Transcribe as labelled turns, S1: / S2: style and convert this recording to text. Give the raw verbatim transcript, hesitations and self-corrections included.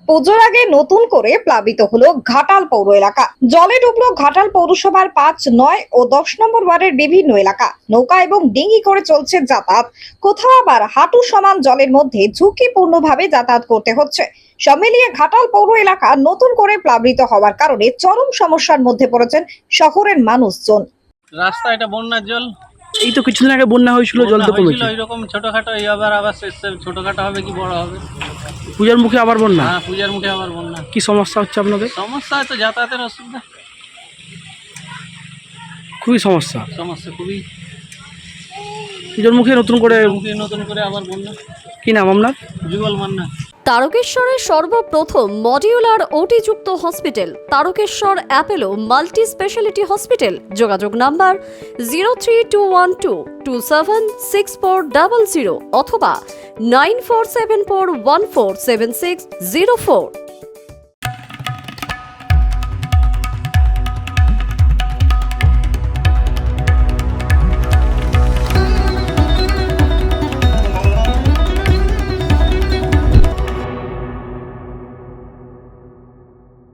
S1: পুজোর আগে নতুন করে প্লাবিত হলো ঘাটাল পৌর এলাকা। জলে ডুবলো ঘাটাল পৌরসভার পাঁচ, নয় ও দশ নম্বর ওয়ার্ডের বিভিন্ন এলাকা। নৌকা এবং ডিঙি করে চলছে যাতায়াত। কোথাও আবার হাঁটু সমান জলের মধ্যে ঝুঁকিপূর্ণভাবে যাতায়াত করতে হচ্ছে। সব মিলিয়ে ঘাটাল পৌর এলাকা নতুন করে প্লাবিত হওয়ার কারণে চরম সমস্যার মধ্যে পড়েছেন শহরের মানুষজন।
S2: রাস্তা এটা বন্যার জল।
S3: এই তো কিছুদিন আগে বন্যা হয়েছিল, জল তো কমেছে।
S2: এরকম ছোটখাটো এই আবার আবার ছোটখাটো হবে কি বড় হবে?
S3: পূজার মুখে আবার বন্যা।
S2: হ্যাঁ, পূজার মুখে আবার বন্যা।
S3: কি সমস্যা হচ্ছে আপনাদের?
S2: সমস্যা হয়তো যাতায়াতের অসুবিধা,
S3: খুবই সমস্যা
S2: সমস্যা খুবই।
S3: পূজার মুখে নতুন করে
S2: মুখে নতুন করে আবার বন্যা।
S3: কি নাম আপনার?
S2: যুগল মান্না।
S4: তারকেশ্বরের সর্বপ্রথম মডিউলার ওটিযুক্ত hospital Tarakeswar Apollo multi speciality hospital. যোগাযোগ number zero three two one two two seven six four double zero অথবা nine four seven four one four seven six zero four.